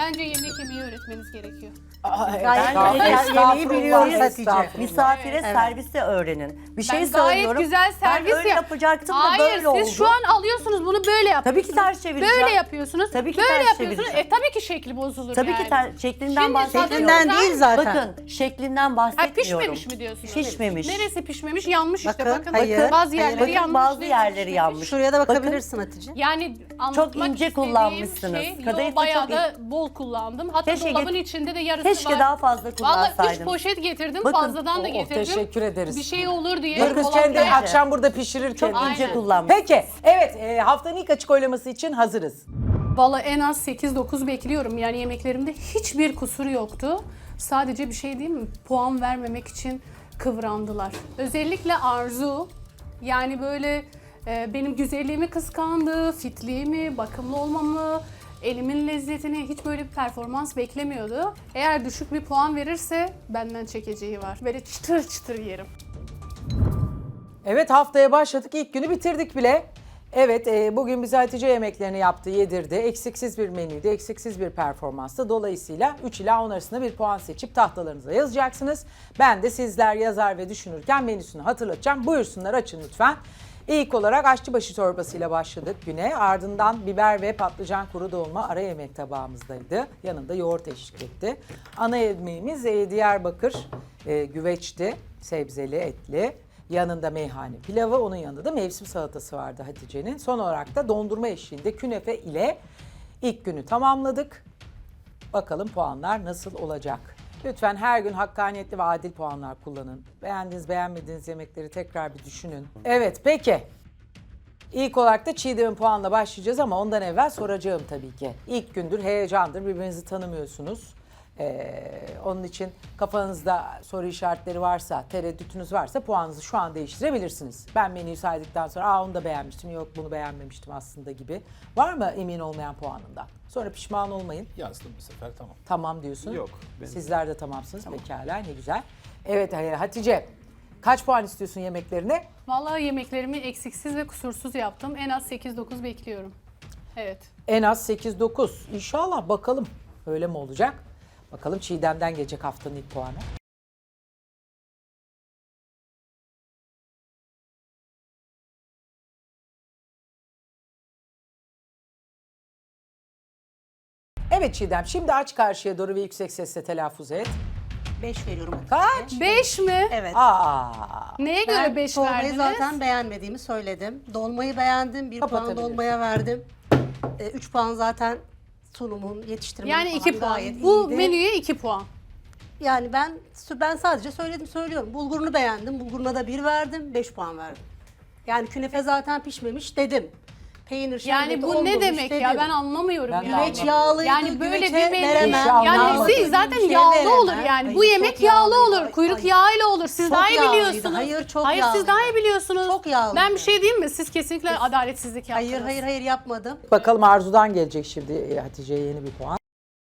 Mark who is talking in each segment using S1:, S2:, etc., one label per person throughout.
S1: Bence yemek yemeyi öğretmeniz gerekiyor.
S2: Yemeği biliyoruz Hatice.
S3: Estağfurullah.
S4: Misafire servisi öğrenin. Bir şey
S1: Ben gayet
S4: söylüyorum.
S1: güzel servis
S4: ben öyle yapacaktım da
S1: Hayır,
S4: böyle oldu.
S1: siz şu an alıyorsunuz bunu böyle yapıyorsunuz.
S4: Tabii ki ters çevireceğim.
S1: Böyle yapıyorsunuz.
S4: Tabii ki
S1: böyle
S4: ters
S1: yapıyorsunuz.
S4: çevireceğim.
S1: Tabii ki şekli bozulur
S4: Tabii
S1: yani.
S4: ki şeklinden
S1: Şimdi
S4: bahsetmiyorum.
S2: Şeklinden değil zaten.
S4: Bakın şeklinden
S1: Ha,
S4: bahsetmiyorum.
S1: pişmemiş mi diyorsunuz?
S4: Pişmemiş.
S1: Neresi pişmemiş? Yanmış işte
S2: Bakın,
S1: bakın.
S2: hayır.
S1: Bazı yerleri
S4: Bakın
S1: yanmış.
S4: bazı
S1: değil,
S4: yerleri
S1: pişmemiş.
S4: yanmış.
S2: Şuraya da bakabilirsin Hatice.
S1: Yani
S4: Çok
S1: anlatmak
S4: ince
S1: istediğim
S4: kullanmışsınız.
S1: Şey,
S4: Kadayıf da
S1: bayağı
S4: çok
S1: da bol kullandım. Hatta
S4: Keşke
S1: dolabın
S4: get-
S1: içinde de yarısı
S4: Keşke
S1: var.
S4: daha fazla
S1: Vallahi 3
S4: kullansaydınız.
S1: poşet getirdim.
S4: Bakın,
S1: Fazladan da getirdim.
S3: Teşekkür ederiz.
S1: Bir şey olur diye.
S3: Dur kız
S1: dolapta-
S3: kendi akşam burada pişirirken.
S4: Çok ince
S1: Aynen.
S4: kullanmış.
S3: Peki, evet haftanın ilk açık oylaması için hazırız.
S1: Valla en az 8-9 bekliyorum. Yani yemeklerimde hiçbir kusur yoktu. Sadece bir şey değil mi? Puan vermemek için kıvrandılar. Özellikle Arzu. Yani böyle benim güzelliğimi kıskandı, fitliğimi, bakımlı olmamı, elimin lezzetini, hiç böyle bir performans beklemiyordu. Eğer düşük bir puan verirse benden çekeceği var. Böyle çıtır çıtır yerim.
S3: Evet haftaya başladık. İlk günü bitirdik bile. Evet bugün bize Hatice yemeklerini yaptı, yedirdi. Eksiksiz bir menüydü, eksiksiz bir performanstı. Dolayısıyla 3 ila 10 arasında bir puan seçip tahtalarınıza yazacaksınız. Ben de sizler yazar ve düşünürken menüsünü hatırlatacağım. Buyursunlar açın lütfen. İlk olarak aşçıbaşı çorbasıyla başladık güne. Ardından biber ve patlıcan kuru dolma ara yemek tabağımızdaydı. Yanında yoğurt eşlik etti. Ana yemeğimiz Diyarbakır güveçti. Sebzeli, etli. Yanında meyhane pilavı, onun yanında da mevsim salatası vardı Hatice'nin. Son olarak da dondurma eşliğinde künefe ile ilk günü tamamladık. Bakalım puanlar nasıl olacak? Lütfen her gün hakkaniyetli ve adil puanlar kullanın. Beğendiğiniz, beğenmediğiniz yemekleri tekrar bir düşünün. Evet, peki. İlk olarak da Çiğdem'in puanla başlayacağız ama ondan evvel soracağım tabii ki. İlk gündür, heyecandır, birbirinizi tanımıyorsunuz. Onun için kafanızda soru işaretleri varsa, tereddütünüz varsa puanınızı şu an değiştirebilirsiniz. Ben menüyü saydıktan sonra onu da beğenmiştim, yok bunu beğenmemiştim aslında gibi. Var mı emin olmayan puanından? Sonra pişman olmayın.
S5: Yazdım bu sefer tamam.
S3: Tamam diyorsun.
S5: Yok, benim
S3: Sizler de tamamsınız. Pekala ne güzel. Evet Hatice kaç puan istiyorsun yemeklerine?
S1: Vallahi yemeklerimi eksiksiz ve kusursuz yaptım. En az 8-9 bekliyorum. Evet.
S3: En az 8-9. İnşallah bakalım öyle mi olacak? Bakalım Çiğdem'den gelecek haftanın ilk puanı. Evet Çiğdem, şimdi aç karşıya doğru ve yüksek sesle telaffuz et.
S2: 5 veriyorum.
S3: Kaç?
S1: 5 mi?
S2: Evet.
S3: Aa,
S1: Neye göre
S2: Ben
S1: 5
S2: dolmayı
S1: verdiniz?
S2: zaten beğenmediğimi söyledim. Dolmayı beğendim. 1 puan
S3: Kapatabiliriz.
S2: dolmaya verdim. 3 puan zaten sunumun, yetiştirmenin
S1: Yani
S2: falan
S1: 2 puan.
S2: gayet
S1: Bu
S2: iyiydi.
S1: menüye 2 puan.
S2: Yani ben sadece söylüyorum. Bulgurunu beğendim. Bulguruna da 1 verdim. 5 puan verdim. Yani künefe zaten pişmemiş dedim. Peynir
S1: Yani
S2: şerbeti
S1: bu ne
S2: olmamış
S1: demek
S2: dedim.
S1: ya, ben anlamıyorum
S3: Ben de
S1: yani.
S2: Güveç yağlıydı.
S1: Yani böyle
S2: güveçe
S1: bir menü,
S2: veremem.
S1: yani
S3: Anlamadım.
S1: siz zaten
S2: Güveçe
S1: yağlı
S2: veremem.
S1: olur yani. Bu
S2: Hayır,
S1: yemek
S2: çok
S1: yağlı
S2: yağlıydı.
S1: olur, kuyruk
S2: Ay,
S1: yağıyla olur. Siz
S2: çok
S1: daha iyi
S2: yağlıydı.
S1: biliyorsunuz.
S2: Hayır, çok
S1: Hayır siz
S2: yağlıydı.
S1: daha iyi biliyorsunuz.
S2: Çok yağlıydı.
S1: Ben bir şey diyeyim mi? Siz kesinlikle adaletsizlik yaptınız.
S2: Hayır yapmadım.
S3: bakalım Arzu'dan gelecek şimdi Hatice'ye yeni bir puan.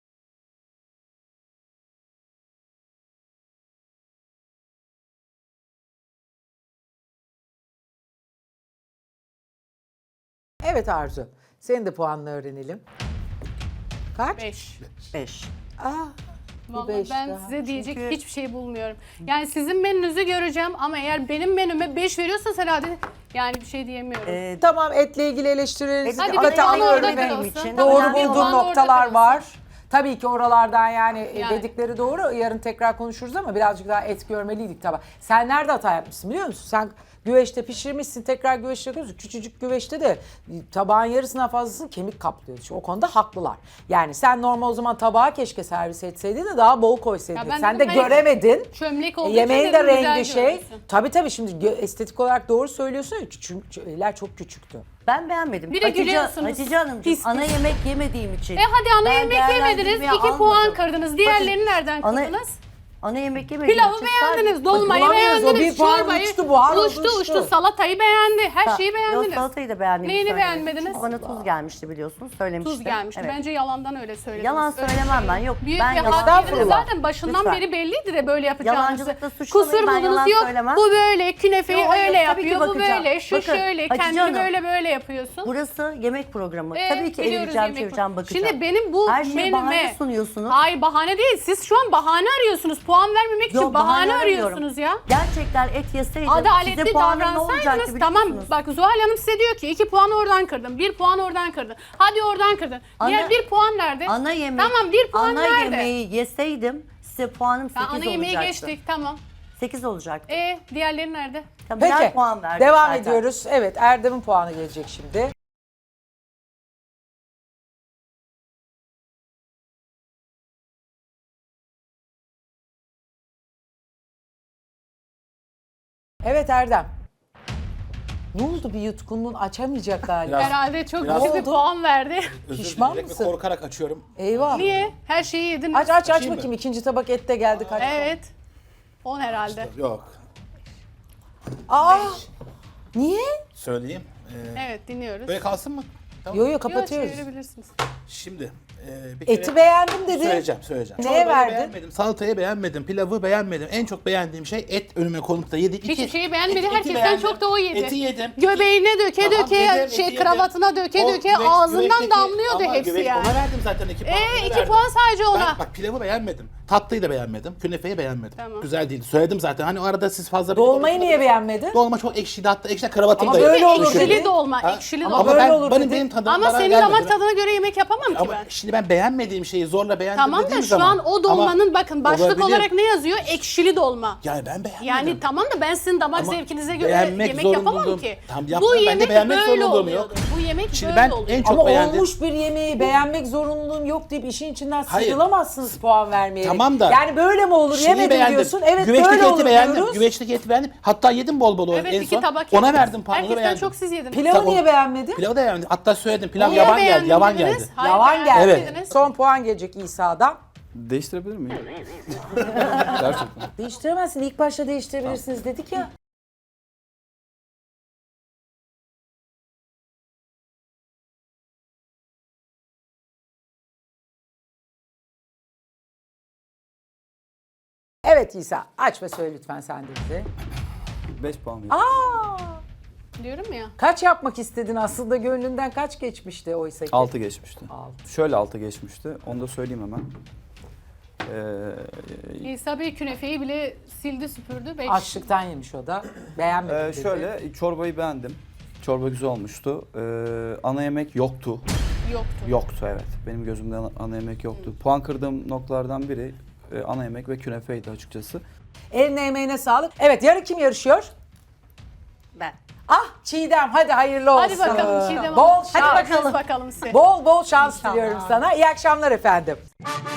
S3: Evet Arzu, senin de puanını öğrenelim. Kaç?
S1: 5.
S4: 5.
S1: Vallahi
S3: beş
S1: ben
S3: daha.
S1: size diyecek
S4: Çünkü-
S1: hiçbir şey bulmuyorum. Yani sizin menünüzü göreceğim ama eğer benim menüme 5 veriyorsanız herhalde yani bir şey diyemiyorum.
S3: Tamam etle ilgili eleştirilerinizi
S1: Hadi
S3: dikkate
S1: bir puan
S3: alıyorum.
S1: orada
S4: benim
S1: kalsın.
S4: için.
S1: Tamam,
S3: Doğru
S1: bir
S3: bulduğum
S1: puan orada
S3: noktalar
S1: kalsın.
S3: var. Tabii ki oralardan yani,
S1: Yani.
S3: dedikleri doğru. Yarın tekrar konuşuruz ama birazcık daha et görmeliydik tabii. Sen nerede hata yapmışsın biliyor musun? Sen güveçte pişirmişsin, tekrar güveçte yapıyorsun. Küçücük güveçte de tabağın yarısından fazlasını kemik kaplıyor. O konuda haklılar. Yani sen normal o zaman tabağa keşke servis etseydin de daha bol koysaydın.
S1: Ya ben
S3: Sen de
S1: dedim, hani
S3: göremedin.
S1: çömlek olduğu
S3: Yemeğin
S1: için
S3: de
S1: de güzel
S3: rengi şey.
S1: görünsün.
S3: Tabii şimdi estetik olarak doğru söylüyorsun. Çünkü eller çok küçüktü.
S4: Ben beğenmedim.
S1: Bir de gülüyorsunuz.
S4: Hatice Hanımcığım
S1: Pis
S4: ana
S1: pis.
S4: yemek yemediğim için.
S1: Hadi ana
S4: ben
S1: yemek yemediniz,
S4: değerlendirmeye
S1: 2 puan
S4: almadım.
S1: kırdınız. Diğerlerini nereden
S4: Ana-
S1: kırdınız?
S4: Ana yemek yemediğim
S1: Pilavı
S4: için
S1: beğendiniz, dolmayı
S3: bulamıyoruz. O bir
S1: beğendiniz,
S3: puan
S1: çorbayı
S3: uçtu, buhar oldu,
S1: uçtu, salatayı beğendi, her şeyi
S4: Yok,
S1: beğendiniz.
S4: salatayı da beğendim.
S1: Neyini beğenmediniz?
S4: Bana tuz gelmişti biliyorsunuz. Söylemiştim.
S1: Tuz gelmişti.
S4: Evet.
S1: Bence yalandan öyle söylediniz.
S4: Yalan
S1: Öyle
S4: söylemem
S1: şey
S4: ben,
S1: yok.
S4: yok.
S1: Büyük
S4: Ben
S1: bir
S4: yalan
S1: hakiminiz
S3: söylemem.
S1: zaten başından
S4: Lütfen.
S1: beri belliydi de böyle yapacağınızı.
S4: Yalancılıkla suçlamayın,
S1: Kusur
S4: ben
S1: buldunuz
S4: yalan
S1: yok.
S4: söylemem.
S1: Bu böyle, künefeyi
S4: Yok, hayır,
S1: öyle
S4: tabii ki
S1: yapıyor, bu
S4: bakacağım.
S1: böyle, şu
S4: Bakın,
S1: şöyle,
S4: Hatice
S1: kendini
S4: Hanım,
S1: böyle yapıyorsun.
S4: Burası yemek programı. Tabii ki
S1: biliyoruz
S4: eğileceğim,
S1: yemek
S4: çevireceğim,
S1: programı.
S4: bakacağım.
S1: Şimdi benim bu
S4: Her şeye bahane
S1: menüme...
S4: sunuyorsunuz.
S1: Hayır bahane değil. Siz şu an bahane arıyorsunuz. Puan vermemek için
S4: Yok,
S1: bahane
S4: aramıyorum.
S1: arıyorsunuz ya.
S4: Gerçekten et yeseydim
S1: Adaletli
S4: size puanım ne olacaktı
S1: davransaydınız
S4: biliyor
S1: tamam.
S4: musunuz?
S1: Bak Zuhal Hanım size diyor ki 2 puan oradan kırdın, 1 puan oradan kırdın. Hadi oradan kırdın. Diğer 1 puan nerede?
S4: Ana yemek,
S1: Tamam 1 puan
S4: ana
S1: nerede?
S4: yemeği yeseydim size puanım 8
S1: Tamam, ana
S4: olacaktı.
S1: yemeği geçtik tamam.
S4: 8 olacaktı.
S1: Diğerleri nerede?
S4: Tabii birer
S3: Peki
S4: puan verdim
S3: devam
S4: zaten.
S3: ediyoruz. Evet Erdem'in puanı gelecek şimdi. Evet Erdem. Ne oldu bir yutkunluğun açamayacak galiba.
S5: Biraz-
S1: Herhalde çok
S5: Biraz-
S1: düşük bir
S3: oldu?
S1: puan verdi.
S5: Özür
S3: Pişman
S5: dilerim ve
S3: mısın?
S5: korkarak açıyorum.
S3: Eyvah.
S1: Niye? Her şeyi yediniz.
S3: Aç
S5: Açayım mı?
S3: bakayım. İkinci tabak et de geldi. Kaç?
S1: Evet. 10 herhalde.
S5: Yok.
S3: Aa! Niye?
S5: Söyleyeyim.
S1: Evet dinliyoruz.
S5: Böyle kalsın mı? Tamam.
S3: Yo yo
S1: Yok
S3: kapatıyoruz.
S1: çevirebilirsiniz.
S5: Şimdi bir kere
S3: Eti beğendim dedi.
S5: söyleyeceğim.
S3: Neye
S5: Çorbayı
S3: verdin?
S5: beğenmedim, salatayı beğenmedim, pilavı beğenmedim. En çok beğendiğim şey et önüme konup da yedim.
S1: Hiçbir şeyi beğenmedi.
S5: Eti
S1: Herkesten
S5: beğendim.
S1: çok da o yedi.
S5: Eti yedim.
S1: Göbeğine döke
S5: Tamam,
S1: döke,
S5: yedim, eti
S1: şey
S5: yedim.
S1: kravatına döke
S5: O
S1: döke
S5: güveç-
S1: ağzından
S5: güveçteki-
S1: damlıyordu
S5: ama
S1: hepsi
S5: güveç-
S1: yani.
S5: Ona verdim zaten 2 puan. ona
S1: 2
S5: verdim.
S1: puan sadece ona.
S5: Ben bak pilavı beğenmedim. Tatlıyı da beğenmedim. Künefeyi beğenmedim.
S1: Tamam.
S5: Güzel değil. Söyledim zaten. Hani o arada siz fazla...
S3: Dolmayı niye beğenmedin?
S5: Dolma çok ekşiydi hatta. Ekşi kravatım
S3: Ama
S5: da
S3: böyle olur
S5: düşürdü.
S3: dedi.
S1: Ekşili dolma,
S5: Ha?
S1: ekşili
S3: Ama
S1: dolma.
S3: böyle olur dedi.
S5: benim tadım
S1: Ama
S5: bana
S1: senin
S5: gelmedi.
S1: damak tadına göre yemek yapamam ki
S5: Ama
S1: ben.
S5: şimdi ben beğenmediğim şeyi zorla beğendim
S1: Tamam da
S5: dediğim
S1: şu
S5: zaman.
S1: an o dolmanın
S5: Ama
S1: bakın başlık
S5: olabilir.
S1: olarak ne yazıyor? Ekşili dolma.
S5: Yani ben beğenmedim.
S1: Yani tamam da ben sizin damak
S5: Ama
S1: zevkinize göre
S5: beğenmek
S1: yemek yapamam
S5: zorunluluğum-
S1: ki.
S5: Tamam,
S1: Bu
S5: yapmam. Ben de
S1: yemek
S5: beğenmek
S1: böyle
S5: zorunluluğum
S1: oluyordu.
S5: yok.
S1: Bu yemek
S5: Şimdi
S1: böyle
S5: ben
S1: oluyor.
S5: en çok
S3: Ama
S5: beğendim.
S3: olmuş bir yemeği beğenmek zorunluluğum yok deyip işin içinden
S5: Hayır.
S3: sıyrılamazsınız puan vermeyerek.
S5: Tamam da-
S3: Yani böyle mi olur?
S5: Şeyi
S3: Yemedim
S5: beğendim.
S3: diyorsun. Evet
S5: Güveçteki
S3: böyle
S5: eti
S3: olur
S5: beğendim.
S3: diyoruz.
S5: Güveçteki eti beğendim. Hatta yedim bol bol
S1: Evet
S5: en
S1: 2
S5: son.
S1: tabak
S5: Ona
S1: yediniz.
S5: verdim puanını
S1: Herkesten
S5: beğendim.
S1: çok siz yediniz.
S3: Pilavı
S5: Tamam.
S3: niye beğenmedin?
S5: Pilavı da beğendim. Hatta söyledim. Pilav
S1: Niye
S5: yavan geldi.
S1: beğendim
S5: Yavan
S1: dediniz?
S5: geldi.
S1: Hayır,
S3: Yavan geldi.
S1: beğenmediniz.
S3: Son puan gelecek İsa'dan.
S6: Değiştirebilir miyim? Gerçekten.
S3: Değiştiremezsin. İlk başta değiştirebilirsiniz dedik ya. Evet İsa aç ve söyle lütfen sen de bize.
S6: 5 puan veriyorum.
S3: Aa!
S1: Diyorum ya.
S3: Kaç yapmak istedin aslında gönlünden kaç geçmişti oysa ki?
S6: 6 geçmişti.
S3: Altı.
S6: Şöyle 6 geçmişti. Onu da söyleyeyim hemen.
S1: İsa Bey künefeyi bile sildi süpürdü. 5.
S3: Açlıktan yemiş o da. Beğenmedim dedi.
S6: Şöyle çorbayı beğendim. Çorba güzel olmuştu. Ana yemek yoktu.
S1: Yoktu.
S6: Yoktu evet. Benim gözümde ana yemek yoktu. Puan kırdığım noktalardan biri ana yemek ve künefeydi açıkçası.
S3: Eline emeğine sağlık. Evet yarın kim yarışıyor?
S2: Ben.
S3: Ah Çiğdem hadi hayırlı olsun.
S1: Hadi bakalım Çiğdem
S3: Bol
S1: Hanım.
S3: şans.
S1: Hadi bakalım. Bakalım size.
S3: Bol bol şans
S2: İnşallah.
S3: diliyorum sana. İyi akşamlar efendim.